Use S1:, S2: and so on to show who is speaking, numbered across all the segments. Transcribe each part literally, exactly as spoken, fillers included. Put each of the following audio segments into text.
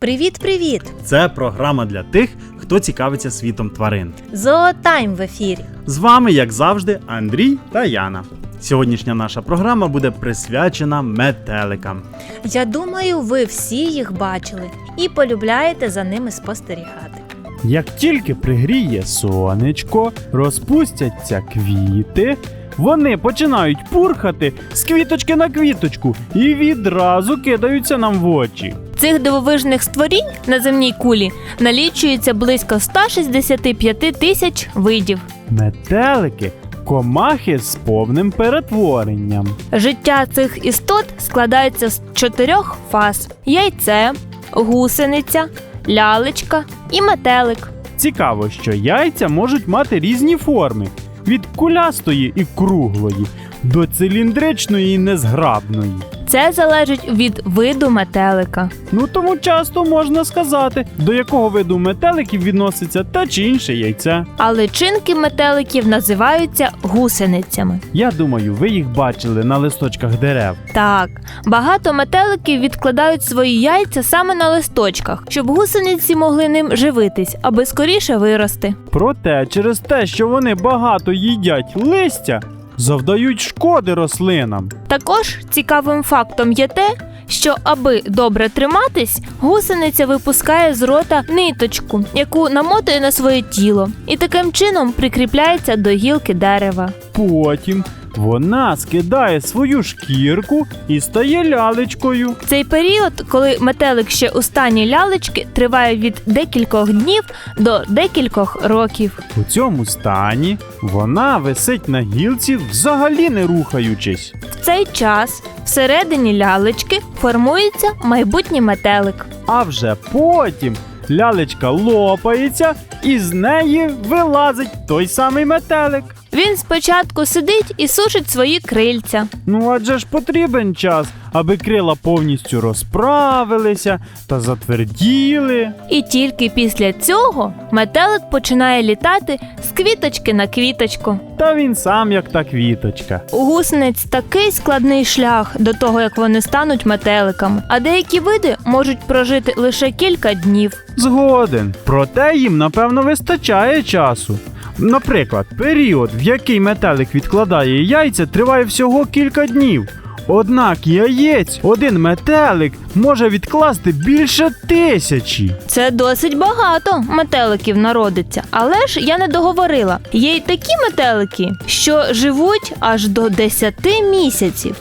S1: Привіт-привіт!
S2: Це програма для тих, хто цікавиться світом тварин.
S1: Зоотайм в ефірі.
S2: З вами, як завжди, Андрій та Яна. Сьогоднішня наша програма буде присвячена метеликам.
S1: Я думаю, ви всі їх бачили і полюбляєте за ними спостерігати.
S3: Як тільки пригріє сонечко, розпустяться квіти, вони починають пурхати з квіточки на квіточку і відразу кидаються нам в очі.
S4: Цих дивовижних створінь на земній кулі налічується близько сто шістдесят п'ять тисяч видів.
S3: Метелики – комахи з повним перетворенням.
S4: Життя цих істот складається з чотирьох фаз – яйце, гусениця, лялечка і метелик.
S3: Цікаво, що яйця можуть мати різні форми – від кулястої і круглої до циліндричної і незграбної.
S4: Це залежить від виду метелика.
S3: Ну тому часто можна сказати, до якого виду метеликів відноситься те чи інше яйце.
S4: А личинки метеликів називаються гусеницями.
S3: Я думаю, ви їх бачили на листочках дерев.
S4: Так, багато метеликів відкладають свої яйця саме на листочках, щоб гусениці могли ним живитись, аби скоріше вирости.
S3: Проте через те, що вони багато їдять листя, завдають шкоди рослинам.
S4: Також цікавим фактом є те, що аби добре триматись, гусениця випускає з рота ниточку, яку намотує на своє тіло, і таким чином прикріпляється до гілки дерева.
S3: Потім вона скидає свою шкірку і стає лялечкою.
S4: Цей період, коли метелик ще у стані лялечки, триває від декількох днів до декількох років.
S3: У цьому стані вона висить на гілці, взагалі не рухаючись.
S4: В цей час всередині лялечки формується майбутній метелик.
S3: А вже потім лялечка лопається і з неї вилазить той самий метелик.
S4: Він спочатку сидить і сушить свої крильця.
S3: Ну адже ж потрібен час, аби крила повністю розправилися та затверділи.
S4: І тільки після цього метелик починає літати з квіточки на квіточку.
S3: Та він сам як та квіточка.
S4: У гусениць такий складний шлях до того, як вони стануть метеликами, а деякі види можуть прожити лише кілька днів.
S3: Згоден. Проте їм, напевно, вистачає часу. Наприклад, період, в який метелик відкладає яйця, триває всього кілька днів. Однак яєць один метелик може відкласти більше тисячі.
S4: Це досить багато метеликів народиться. Але ж я не договорила. Є й такі метелики, що живуть аж до десяти місяців.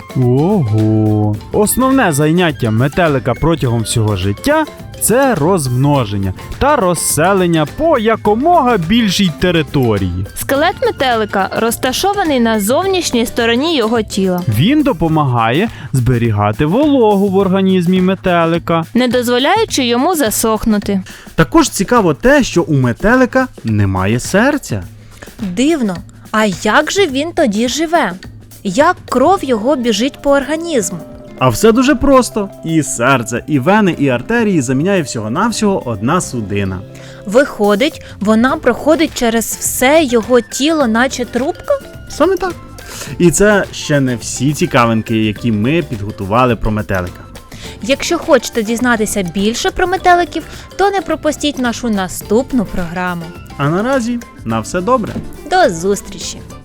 S3: Ого! Основне заняття метелика протягом всього життя – це розмноження та розселення по якомога більшій території.
S4: Скелет метелика розташований на зовнішній стороні його тіла.
S3: Він допомагає зберігати вологу в організмі метелика,
S4: не дозволяючи йому засохнути.
S2: Також цікаво те, що у метелика немає серця.
S1: Дивно, а як же він тоді живе? Як кров його біжить по організму?
S2: А все дуже просто. І серце, і вени, і артерії заміняє всього-навсього одна судина.
S1: Виходить, вона проходить через все його тіло, наче трубка?
S2: Саме так. І це ще не всі цікавинки, які ми підготували про метелика.
S1: Якщо хочете дізнатися більше про метеликів, то не пропустіть нашу наступну програму.
S2: А наразі на все добре.
S1: До зустрічі!